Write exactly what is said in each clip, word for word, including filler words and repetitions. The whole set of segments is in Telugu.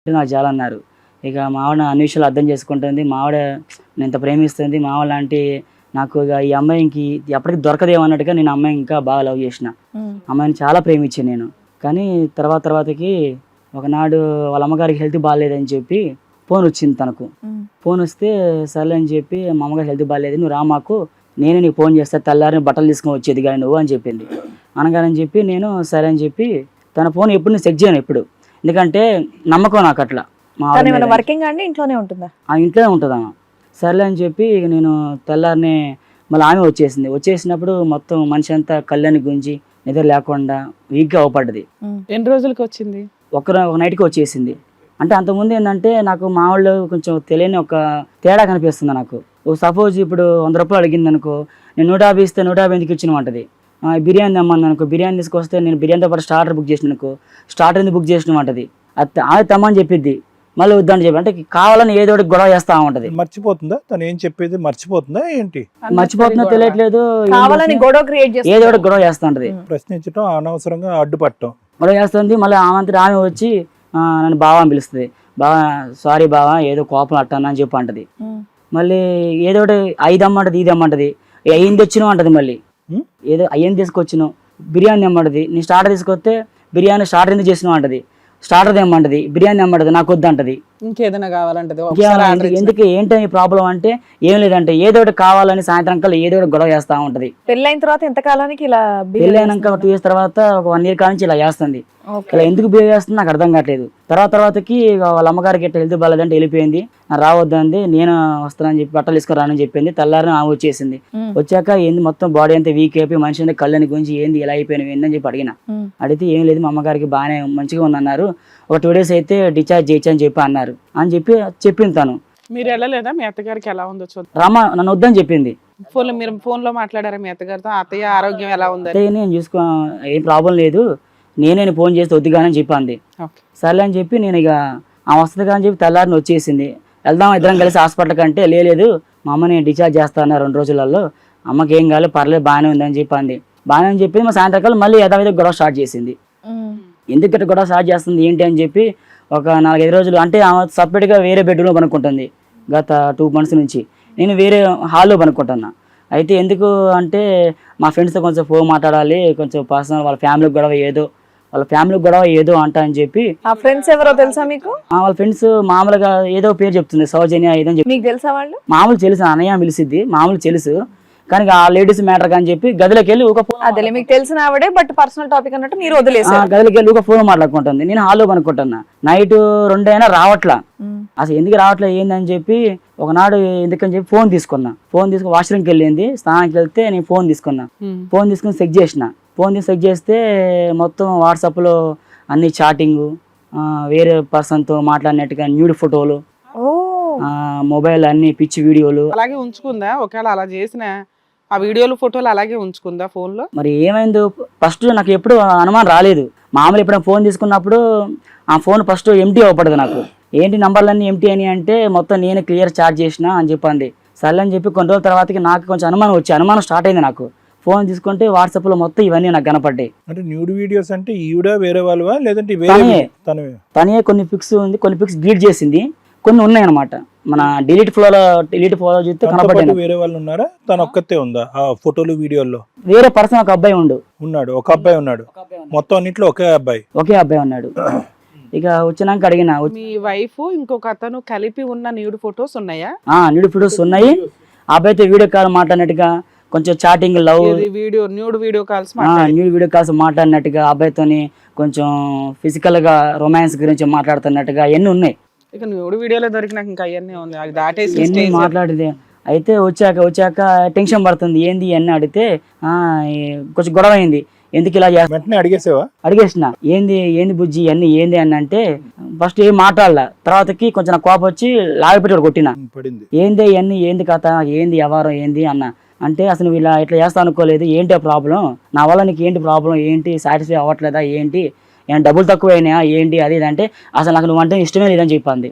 నాకు చాలా అన్నారు. ఇక మా ఆవిడ అన్ని విషయాలు అర్థం చేసుకుంటుంది. మా ఆవిడ నేను ఇంత ప్రేమిస్తుంది. మా ఆవిడ లాంటి నాకు ఇక ఈ అమ్మాయికి ఎప్పటికి దొరకదేమో అన్నట్టుగా నేను అమ్మాయిని ఇంకా బాగా లవ్ చేసిన. అమ్మాయిని చాలా ప్రేమించాను నేను. కానీ తర్వాత తర్వాతకి ఒకనాడు వాళ్ళ అమ్మగారికి హెల్త్ బాగాలేదని చెప్పి ఫోన్ వచ్చింది తనకు. ఫోన్ వస్తే సర్లే అని చెప్పి మా అమ్మగారు హెల్త్ బాగాలేదు, నువ్వు రా మాకు, నేనే నీకు ఫోన్ చేస్తా, తెల్లారిని బట్టలు తీసుకొని వచ్చేది కానీ నువ్వు అని చెప్పింది. అనగానని చెప్పి నేను సరే అని చెప్పి తన ఫోన్ ఎప్పుడు నేను చెక్ చేయను ఎప్పుడు, ఎందుకంటే నమ్మకం నాకు అట్లా. మా వర్కింగ్ అండి ఇంట్లోనే ఉంటుందా? ఆ ఇంట్లోనే ఉంటుంది ఆమె. సర్లే అని చెప్పి ఇక నేను తెల్లారిని మళ్ళీ ఆమె వచ్చేసింది. వచ్చేసినప్పుడు మొత్తం మనిషి అంతా కళ్ళని గుంజి నిద్ర లేకుండా వీక్గా అవపడ్డది. ఎన్ని రోజులకి వచ్చింది? ఒక ఒక నైట్కి వచ్చేసింది. అంటే అంతకుముందు ఏంటంటే నాకు మా వాళ్ళు కొంచెం తెలియని ఒక తేడా కనిపిస్తుంది నాకు. సపోజ్ ఇప్పుడు వంద రూపాయలు అడిగింది అనుకో, నేను నూట యాభై ఇస్తే నూట యాభై ఎందుకు ఇచ్చినమంటది. బిర్యానీ తెమ్మని అనుకో, బిర్యానీ తీసుకొస్తే నేను బిర్యానీతో పాటు స్టార్టర్ బుక్ చేసిన అనుకో, స్టార్టర్ ఎందుకు బుక్ చేసినమంటది. అది ఆమె తెమ్మని చెప్పిద్ది, మళ్ళీ వద్దని చెప్పి అంటే కావాలని ఏదో ఒకటి గొడవ చేస్తా ఉంటది. మర్చిపోతుందా తను ఏం చెప్పేది? మర్చిపోతుందా ఏంటి? మర్చిపోతుందో తెలియట్లేదు, కావాలని గొడవ క్రియేట్ చేస్తుంది, ఏదో ఒకటి గొడవ చేస్తా ఉంటది. ప్రశ్నించడం, అనవసరంగా అడ్డుపట్టడం, గొడవ చేస్తుంది. మళ్ళీ ఆమంతటి ఆమె వచ్చి నన్ను బావ అని పిలుస్తుంది. బావా సారీ బావా ఏదో కోపం అట్టాను అని చెప్పి అంటది. మళ్ళీ ఏదో ఒకటి ఐదు అమ్మంటది, ఇది అమ్మంటది, అయ్యింది తెచ్చినావు అంటది. మళ్ళీ ఏదో అయ్యింది తీసుకొచ్చినావు, బిర్యానీ అమ్మంటది. నీ స్టార్టర్ తీసుకొస్తే బిర్యానీ స్టార్టర్ ఎందుకు చేసినావు అంటది. స్టార్టర్ తెమ్మంటది, బిర్యానీ తెమ్మంటది, నాకు వద్దు అంటది. ఇంకేదైనా కావాలంటది. ఎందుకు ఏంటని ప్రాబ్లం అంటే ఏం లేదంటే ఏదో ఒకటి కావాలని సాయంత్రం కల్లా ఏదో ఒకటి గొడవ చేస్తా ఉంటది. పెళ్ళైన తర్వాత ఎంత కాలానికి ఇలా? పెళ్ళైనాక టూ ఇయర్స్ తర్వాత ఒక వన్ ఇయర్ కానించి ఇలా చేస్తుంది. ఇలా ఎందుకు బిహేవ్ చేస్తుంది నాకు అర్థం కావట్లేదు. తర్వాత తర్వాతకి వాళ్ళ అమ్మగారికి ఎట్లా హెల్త్ బాగాలేదంటే వెళ్ళిపోయింది. రావద్దంది, నేను వస్తానని చెప్పి బట్టలు తీసుకుని రానని చెప్పింది. తెల్లారి ఆమె వచ్చేసింది. వచ్చాక ఏంది మొత్తం బాడీ అంతా వీక్ అయిపోయి మనిషి అంతా కళ్ళని గురించి ఏంది ఇలా అయిపోయినవి ఏందని చెప్పి అడిగిన. అడిగితే ఏం లేదు మా అమ్మగారికి బాగానే మంచిగా ఉందన్నారు, ఒక టూ డేస్ అయితే డిశ్చార్జ్ చేయొచ్చు అని చెప్పి అన్నారు అని చెప్పి చెప్పింది తను. మీరు వెళ్ళలేదా మీ అత్తగారికి ఎలా ఉందో చూద్దాం? రమ్మ నన్ను వద్దని చెప్పింది. ఫోన్ లో మీరు ఫోన్ లో మాట్లాడారా మీ అత్తగారితో? అత్తయ్య ఆరోగ్యం ఎలా ఉంది? నేను చూసుకో ఏం ప్రాబ్లం లేదు, నేనే ఫోన్ చేస్తే వద్దుగానని చెప్పి అంది. సర్లే అని చెప్పి నేను ఇక ఆ వస్తుంది కానీ చెప్పి తెల్లారిని వచ్చేసింది. వెళ్దాం ఇద్దరం కలిసి హాస్పిటల్ కంటే లేదు మా అమ్మని డిశ్చార్జ్ చేస్తాను రెండు రోజులలో, అమ్మకి ఏం కాలేదు పర్లేదు బాగానే ఉందని చెప్పి అంది. బాగానే అని చెప్పి మా సాయంత్రకాలం మళ్ళీ యథావిధ గొడవ స్టార్ట్ చేసింది. ఎందుకంటే గొడవ స్టార్ట్ చేస్తుంది ఏంటి అని చెప్పి ఒక నాలుగైదు రోజులు అంటే ఆమె సపరేట్గా వేరే బెడ్రూమ్లో పనుక్కుంటుంది గత టూ మంత్స్ నుంచి. నేను వేరే హాల్లో పనుక్కుంటున్నా. అయితే ఎందుకు అంటే మా ఫ్రెండ్స్తో కొంచెం ఫోన్ మాట్లాడాలి, కొంచెం పర్సనల్ వాళ్ళ ఫ్యామిలీ గొడవ ఏదో వాళ్ళ ఫ్యామిలీ గొడవ ఏదో అంట అని చెప్పి. ఆ ఫ్రెండ్స్ ఎవరో తెలుసా మీకు? వాళ్ళ ఫ్రెండ్స్ మామూలుగా ఏదో పేరు చెప్తుంది, సౌజన్య ఏదో చెప్పి. మీకు తెలుసా వాళ్ళు? మామూలు తెలుసు, అన్నయ్య పిలిచిద్ది, మామూలు తెలుసు. కానీ ఆ లేడీస్ మ్యాటర్ కానీ చెప్పి గదిలోకి వెళ్ళి ఒక ఫోన్, అదే మీకు తెలిసిన ఆవిడే బట్ పర్సనల్ టాపిక్ అన్నట్టు మీరు వదిలేసారు. గదిలోకి వెళ్ళి ఒక ఫోన్ మాట్లాడుకుంటుంది. నేను హాల్లో కనుక్కుంటున్నా. నైట్ రెండు అయినా రావట్లా, అసలు ఎందుకు రావట్లే ఏందని చెప్పి ఒకనాడు ఎందుకని చెప్పి ఫోన్ తీసుకున్నా. ఫోన్ తీసుకుని వాష్రూమ్కి వెళ్ళింది, స్నానానికి వెళ్తే నేను ఫోన్ తీసుకున్నా. ఫోన్ తీసుకుని చెక్ చేసిన. ఫోన్ తీసి చెక్ చేస్తే మొత్తం వాట్సాప్లో అన్ని చాటింగ్, వేరే పర్సన్తో మాట్లాడినట్టుగా న్యూడ్ ఫోటోలు, మొబైల్ అన్ని పిచ్చి వీడియోలు. అలాగే ఉంచుకుందా? ఒకవేళ అలా చేసిన ఆ వీడియోలు ఫోటోలు అలాగే ఉంచుకుందా ఫోన్ లో? మరి ఏమైందో ఫస్ట్ నాకు ఎప్పుడు అనుమానం రాలేదు. మామూలు ఎప్పుడైనా ఫోన్ తీసుకున్నప్పుడు ఆ ఫోన్ ఫస్ట్ ఎంటీ అవ్వపడదు నాకు. ఏంటి నంబర్లన్నీ ఎంటీ అని అంటే మొత్తం నేను క్లియర్ చార్జ్ చేసిన అని చెప్పింది. సర్లే అని చెప్పి కొన్ని రోజుల తర్వాతకి నాకు కొంచెం అనుమానం వచ్చి అనుమానం స్టార్ట్ అయింది నాకు. ఫోన్ తీసుకుంటే వాట్సాప్ లో మొత్తం ఇవన్నీ నాకు కనపడ్డాయి. అంటే న్యూడ్ వీడియోస్ అంటే ఈవిడ వేరే వాళ్ళవా లేదంటే తనే కొన్ని పిక్స్ ఉంది, కొన్ని పిక్స్ డిలీట్ చేసింది, కొన్ని ఉన్నాయి అనమాట. మన డిలీట్ ఫ్లోలో డిలీట్ ఫ్లో చూస్తే కనపడ్డాయి. వేరే వాళ్ళు ఉన్నారా? తన ఒక్కతే ఉందా ఆ ఫోటోలు వీడియోల్లో? వేరే పర్సన్ ఒక అబ్బాయి ఉండు ఉన్నాడు, ఒక అబ్బాయి ఉన్నాడు, మొత్తం అన్నిట్లో ఒకే అబ్బాయి ఒకే అబ్బాయి ఉన్నాడు. ఇక వచ్చినాక అడిగిన, మీ వైఫ్ ఇంకొక అతను కలిపి ఉన్న న్యూడ్ ఫొటోస్ ఉన్నాయా? ఆ న్యూడ్ ఫొటోస్ ఉన్నాయి. అబ్బాయితో వీడియో కాల్ మాట్లాడినట్టుగా, కొంచెం chatting, love video, nude video calls nude video calls మాట్లాడినట్టుగా, అబ్బాయితోని కొంచెం ఫిజికల్ గా రొమాన్స్ గురించి మాట్లాడుతున్నట్టుగా అన్ని ఉన్నాయి. ఇక న్యూడ్ వీడియోలో దొరికినాక ఇంకా అవన్నీ ఉంది, అది దాటేసి ఎన్ని మాట్లాడితే. అయితే వచ్చాక వచ్చాక టెన్షన్ పడుతుంది ఏంది అన్ని అడిగితే ఆ కొంచెం గొడవ అయింది. ఎందుకు ఇలా చేస్తా అడిగేసావా? అడిగేసిన ఏంది ఏంది బుజ్జి అన్ని ఏంది అని అంటే ఫస్ట్ ఏం మాట్లాడలా. తర్వాతకి కొంచెం నాకు కోపం వచ్చి లాగిపెట్టి కొట్టిన. ఏంది ఇవన్నీ ఏంది కథ, ఏంది వ్యవహారం ఏంది అన్న అంటే అసలు నువ్వు ఇలా ఇట్లా చేస్తా అనుకోలేదు, ఏంటి ప్రాబ్లం, నా వల్ల నీకు ఏంటి ప్రాబ్లం, ఏంటి సాటిస్ఫై అవ్వట్లేదా, ఏంటి ఏమైనా డబ్బులు తక్కువ అయినాయా ఏంటి అది ఇది అంటే అసలు నాకు నువ్వు అంటే ఇష్టమే లేదని చెప్పింది.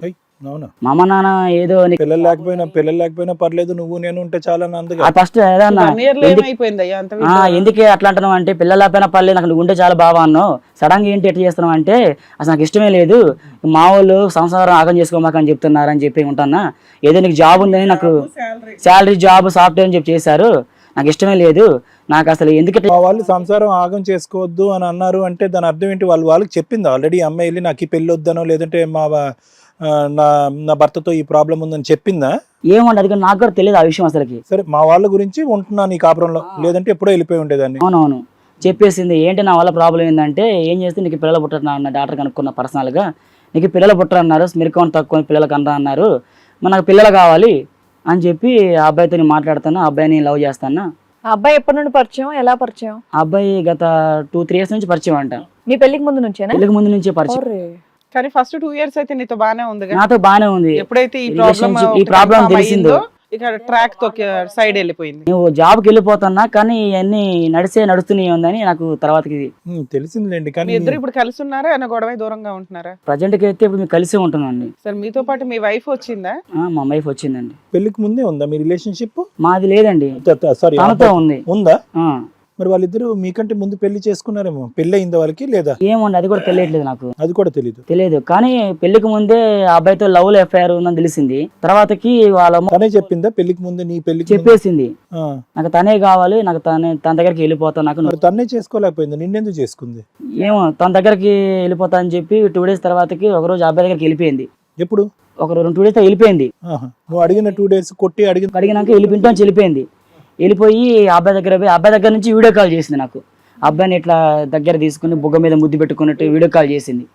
అవునా? మా అమ్మ నాన్న ఏదో నీకు- పిల్లలు లేకపోయినా పిల్లలు లేకపోయినా పర్లేదు, నువ్వు నేను ఉంటే చాలా అందుగా. ఆ ఫస్ట్ ఏదన్నా వన్ ఇయర్ లో ఎందుకు- ఏమైపోయింది అయ్యా అంత ఆ, ఎందుకే అట్లా అంటున్నావు అంటే పిల్లల పైన పర్లేదు నాకు నువ్వు ఉంటే చాలా బాగా అన్నావు, సడన్ గా ఏంటి ఎట్లా చేస్తున్నావు అంటే అసలు నాకు ఇష్టమే లేదు, మా వాళ్ళు సంసారం ఆగం చేసుకోమాక అని చెప్తున్నారు అని చెప్పి ఉంటానా, ఏదో నీకు జాబ్ ఉందని నాకు శాలరీ జాబ్ సాఫ్ట్వేర్ అని చెప్పి చేశారు, నాకు ఇష్టమే లేదు, నాకు అసలు ఎందుకు ఇట్లా- మా వాళ్ళు సంసారం ఆగం చేసుకోవద్దు అని అన్నారు అంటే దాని అర్థం ఏంటి? వాళ్ళు వాళ్ళకి చెప్పింది ఆల్రెడీ అమ్మాయి వెళ్ళి నాకు ఈ పెళ్ళి వద్దనో లేదంటే మా ఆ, నా నా భర్తతో ఈ ప్రాబ్లం ఉందని చెప్పిందా? ఏమండి అది కూడా నాకు కూడా తెలియదు ఆ విషయం అసలుకి. సరే మా వాళ్ళ గురించి ఉంటున్నా నీ కాపురంలో, లేదంటే ఎప్పుడో వెళ్ళిపోయి ఉండేదాన్ని. అవునవును చెప్పేసింది. ఏంటి నా వల్ల ప్రాబ్లం ఏంటంటే ఏం చేస్తే నీకు పిల్లలు పుట్టరు అన్న డాక్టర్ కనుక్కున్న పర్సనల్గా, నీకు పిల్లలు పుట్టరు అన్నారు, స్మిర్కౌన్ తక్కువ పిల్లలకు అనరా అన్నారు, మరి నాకు పిల్లలు కావాలి అని చెప్పి ఆ అబ్బాయితో నేను మాట్లాడుతాను, ఆ అబ్బాయిని లవ్ చేస్తాను. ఆ అబ్బాయి ఎప్పటి నుండి పరిచయం, ఎలా పరిచయం? ఆ అబ్బాయి గత టూ త్రీ ఇయర్స్ నుంచి పరిచయం అంట. మీ పెళ్లికి ముందు నుంచేనా? పెళ్లికి ముందు నుంచే పరిచయం. ఒర్రే. కానీ ఫస్ట్ టూ ఇయర్స్ అయితే నీతో బానే ఉంది నాతో బానే ఉంది. ఎప్పుడైతే ఈ ప్రాబ్లం Relationship- ఈ ప్రాబ్లం తెలిసిందో ఇక ట్రాక్ తో సైడ్ వెళ్ళిపోయింది. నువ్వు జాబ్కి వెళ్ళిపోతున్నా కానీ ఇవన్నీ నడిసే నడుస్తూనే ఉందని నాకు తర్వాతకి ఉమ్, తెలిసిందిలేండి. మీ కానీ ఇద్దరు ఇప్పుడు కలిసి ఉన్నారా అన్న గొడవ దూరంగా ఉంటున్నారా? ప్రజెంట్కి అయితే ఇప్పుడు మేము కలిసే ఉంటున్నాండి. సరే మీతో పాటు మీ వైఫ్ వచ్చిందా? ఆ, మా వైఫ్ వచ్చిందండి. పెళ్లికి ముందే ఉందా మీ రిలేషన్షిప్? మాది లేదండి, సారీ తనతో ఉంది. ఉందా? ఆ, మరి వాళ్ళిద్దరు మీకంటే ముందు పెళ్లి చేసుకున్నారేమో, పెళ్లి అయిందా వాళ్ళకి లేదా? ఏముంది అది కూడా తెలియట్లేదు నాకు. అది కూడా తెలీదు. తెలియదు కానీ పెళ్లికి ముందే ఆ అబ్బాయితో లవ్ లో ఎఫ్ఐఆర్ ఉందని తెలిసింది. తర్వాతకి వాళ్ళ అమ్మ తనే చెప్పిందా పెళ్లికి ముందే నీ పెళ్లికి ముందు? చెప్పేసింది ఆ, నాకు తనే కావాలి, నాకు తనే తన దగ్గరికి వెళ్ళిపోతా, నాకు మరి తన్నే చేసుకోలేకపోయింది, నిన్నెందుకు చేసుకుంది? ఏమో తన దగ్గరికి వెళ్ళిపోతా అని చెప్పి టూ డేస్ తర్వాతకి ఒక రోజు అబ్బాయి దగ్గరికి వెళ్ళిపోయింది. ఎప్పుడు? ఒక రెండు టూ డేస్ వెళ్ళిపోయింది. ఆహా. నువ్వు అడిగిన టూ డేస్ కొట్టి అడిగిన అడిగినాక వెళ్ళిపోయింటా నుంచి వెళ్ళిపోయింది. వెళ్ళిపోయి ఆ అబ్బాయి దగ్గర పోయి అబ్బాయి దగ్గర నుంచి వీడియో కాల్ చేసింది నాకు. అబ్బాయిని ఇట్లా దగ్గర తీసుకుని బుగ్గ మీద ముద్దు పెట్టుకున్నట్టు వీడియో కాల్ చేసింది.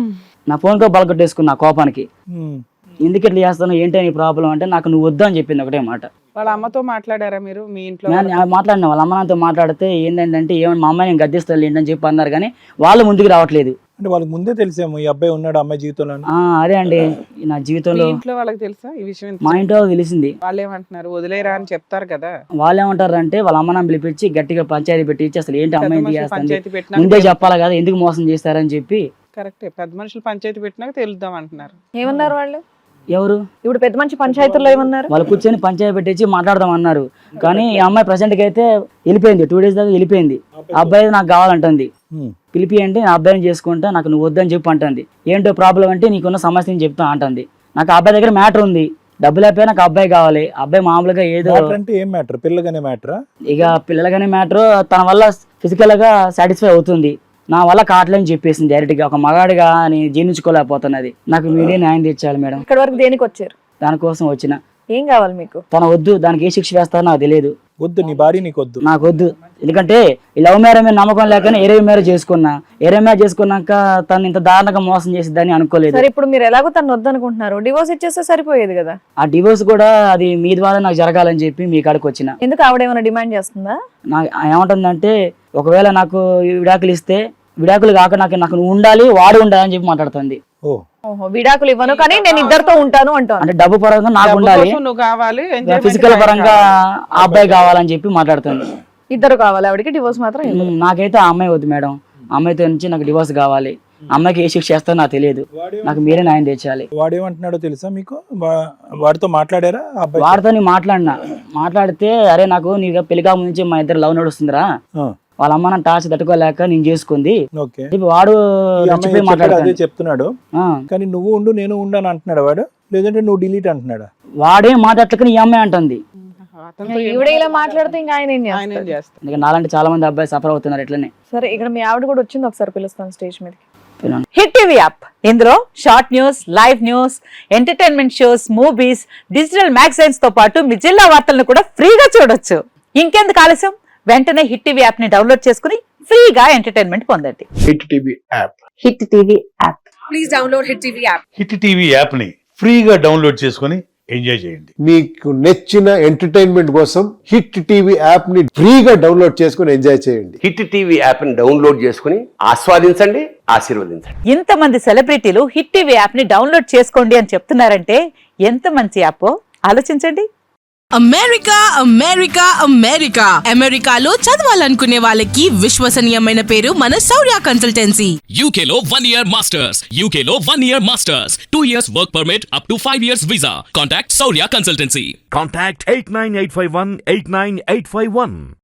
నా ఫోన్ తో బలగొట్టేసుకున్నా కోపానికి. ఉమ్. ఎందుకు ఇట్లా చేస్తాను ఏంటి నీ ప్రాబ్లం అంటే నాకు నువ్వు వద్దు అని చెప్పింది ఒకటే మాట. వాళ్ళ అమ్మతో మాట్లాడారా మీరు మీ ఇంట్లో? నేను మాట్లాడిన వాళ్ళ అమ్మ నాతో మాట్లాడితే ఏంటంటే ఏమన్నా మా అమ్మాయి నేను గద్దిస్తాను ఏంటని చెప్పి అన్నారు కానీ వాళ్ళు ముందుకు రావట్లేదు. అంటే వాళ్ళకి ముందే తెలిసేమో ఈ అబ్బాయి ఉన్నాడు అమ్మాయి జీవితంలో. ఆ అదే అండి నా మీ జీవితంలో ఇంట్లో వాళ్ళకి తెలుసా ఈ విషయం? మా ఇంట్లో తెలిసింది. వాళ్ళు ఏమంటున్నారు? వదిలేరా అని చెప్తారు కదా. వాళ్ళు ఏమంటారు అంటే వాళ్ళ అమ్మ నాన్న పిలిపించి గట్టిగా పంచాయతీ పెట్టించి అసలు ఏంటి అమ్మాయి ఎందుకు చేస్తుంది పంచాయతీ పెట్టినాక ముందే చెప్పాలి కదా, ఎందుకు మోసం చేస్తారని చెప్పి. కరెక్టే, పెద్ద మనుషులు పంచాయతీ పెట్టినాక తెలుద్దాం అంటున్నారు. ఏమన్నారు వాళ్ళు? ఎవరు ఇప్పుడు పెద్ద మంచి పంచాయతీల్లో ఏమన్నారు? వాళ్ళు కూర్చొని పంచాయతీ పెట్టించి మాట్లాడదాం అన్నారు. కానీ ఈ అమ్మాయి ప్రజెంట్కి అయితే వెళ్ళిపోయింది, టూ డేస్ దాకా వెళ్ళిపోయింది. ఆ అబ్బాయి నాకు కావాలంటుంది, ఉమ్. పిలిపి అంటే నా అబ్బాయిని చేసుకుంటా, నాకు నువ్వు వద్దని చెప్పి అంటుంది. ఏంటో ప్రాబ్లం అంటే నీకున్న సమస్యని చెప్తా అంటుంది. నాకు ఆ అబ్బాయి దగ్గర మ్యాటర్ ఉంది, డబ్బులు అయిపోయి నాకు అబ్బాయి కావాలి. అబ్బాయి మామూలుగా ఏదో మ్యాటర్ అంటే ఏం మ్యాటర్? పిల్లగానే మ్యాటరా? ఇక పిల్లలగానే మ్యాటర్, తన వల్ల ఫిజికల్ గా సాటిస్ఫై అవుతుంది, నా వల్ల కావట్లేని చెప్పేసింది డైరెక్ట్ గా. ఒక మగాడిగా నేను జీర్ణించుకోలేకపోతున్నది, నాకు మీరే న్యాయం తెచ్చాలి మేడం. ఇక్కడ వరకు దేనికి వచ్చారు? దానికోసం వచ్చిన. ఏం కావాలి మీకు? తన వద్దు, దానికి ఏ శిక్ష వేస్తారో నాకు తెలియదు. వద్దు, నీ భార్య నీకు వద్దు. నాకు వద్దు, ఎందుకంటే ఈ లవ్ మ్యారేజ్ మీద నమ్మకం లేకనే ఏరే మ్యారేజ్ చేసుకున్నా. ఏరే మ్యారేజ్ చేసుకున్నాక తను ఇంత దారుణంగా మోసం చేసిద్దని అనుకోలేదు. సరే ఇప్పుడు మీరు ఎలాగో తను వద్దనుకుంటున్నారు, డివోర్స్ ఇచ్చేస్తే సరిపోయేది కదా. ఆ డివోర్స్ కూడా అది మీ ద్వారా నాకు జరగాలని చెప్పి మీ కాడికి వచ్చిన. ఎందుకు ఆవిడ ఏమైనా డిమాండ్ చేస్తుందా? నాకు ఏమంటుందంటే ఒకవేళ నాకు ఈ విడాకులు ఇస్తే విడాకులు కాక నాకు నాకు నువ్వు ఉండాలి, వాడు ఉండాలి అని చెప్పి మాట్లాడుతుంది. ఓ ఓహో, విడాకులు ఇవ్వను కానీ నేను ఇద్దరితో ఉంటాను అంటాను. అంటే డబ్బు పరంగా నాకు డబ్బు ఉండాలి, కోసం నువ్వు కావాలి, enjoyment ఫిజికల్ time పరంగా కావాలి. ఆ అబ్బాయి కావాలని చెప్పి మాట్లాడుతుంది. ఇద్దరు కావాలి ఆవిడకి, డివోర్స్ మాత్రం ఇవ్వరు. ఉమ్, నాకైతే ఆ అమ్మాయి వద్దు మేడం, ఆ అమ్మాయితో నుంచి నాకు డివోర్స్ కావాలి. అమ్మాయికి ఏ శిక్ష చేస్తారో నాకు తెలియదు, నాకు మీరే న్యాయం తెచ్చాలి. వాడేమంటున్నాడో తెలుసా మీకు? వా- వాడితో మాట్లాడారా ఆ అబ్బాయి? వాడితో నేను మాట్లాడినా, మాట్లాడితే అరే నాకు నీకు పెళ్లి కాక నుంచి మా ఇద్దరు లవ్ నడుస్తుందిరా, ఆ, వాళ్ళ అమ్మ నా టార్చ్ తట్టుకోలేక నేను చేసుకుంది ఓకే. చెప్పి వాడు ఈ అమ్మాయి రెచ్చిపోయి చెప్పాడు, అదే మాట్లాడుతాడు. చెప్తున్నాడు. ఆ, కానీ నువ్వు ఉండు నేను ఉండు అని అంటున్నాడు వాడు, లేదంటే నువ్వు డిలీట్ అంటున్నాడా? వాడే మాట్లాడలేక ఈ అమ్మాయి అంటుంది. అతనితో ఈవిడ ఇలా మాట్లాడితే ఇంకా ఆయన ఏం ఆయన ఏం చేస్తారు? చేస్తారు? అందుకే నాలాంటి చాలా మంది అబ్బాయి సఫర్ అవుతున్నారు ఇట్లనే. సరే ఇక్కడ మీ ఆవిడ కూడా వచ్చింది, ఒకసారి పిలుస్తాను స్టేజ్ మీదకి. హిట్ టీవీ యాప్ ఇందులో short news, live news, entertainment shows, movies, digital magazines తో పాటు మీ జిల్లా వార్తలను కూడా ఫ్రీగా చూడొచ్చు. ఇంకెందుకు ఆలస్యం, వెంటనే హిట్ టీవీ యాప్ ని డౌన్లోడ్ చేసుకుని ఫ్రీగా ఎంటర్టైన్మెంట్ పొందండి. Hit TV app hit TV app. Hit TV app ని ఫ్రీగా డౌన్లోడ్ చేసుకొని ఎంజాయ్ చేయండి. మీకు నచ్చిన ఎంటర్టైన్మెంట్ కోసం హిట్ టీవీ యాప్ ని ఫ్రీగా డౌన్లోడ్ చేసుకుని ఎంజాయ్ చేయండి. హిట్ టీవీ యాప్ ని డౌన్లోడ్ చేసుకుని ఆస్వాదించండి, ఆశీర్వదించండి. ఇంతమంది సెలబ్రిటీలు హిట్ టీవీ యాప్ ని డౌన్లోడ్ చేసుకోండి అని చెప్తున్నారంటే ఎంత మంచి యాప్ ఆలోచించండి. అమెరికా అమెరికా అమెరికా అమెరికాలో చదవాలనుకునే వాళ్ళకి విశ్వసనీయమైన పేరు మన శౌర్య కన్సల్టెన్సీ. యూకేలో వన్ ఇయర్ మాస్టర్స్ యూకేలో one year masters two years work permit up to five years visa. Contact Shaurya consultancy. Contact eight nine eight five one eight nine eight five one.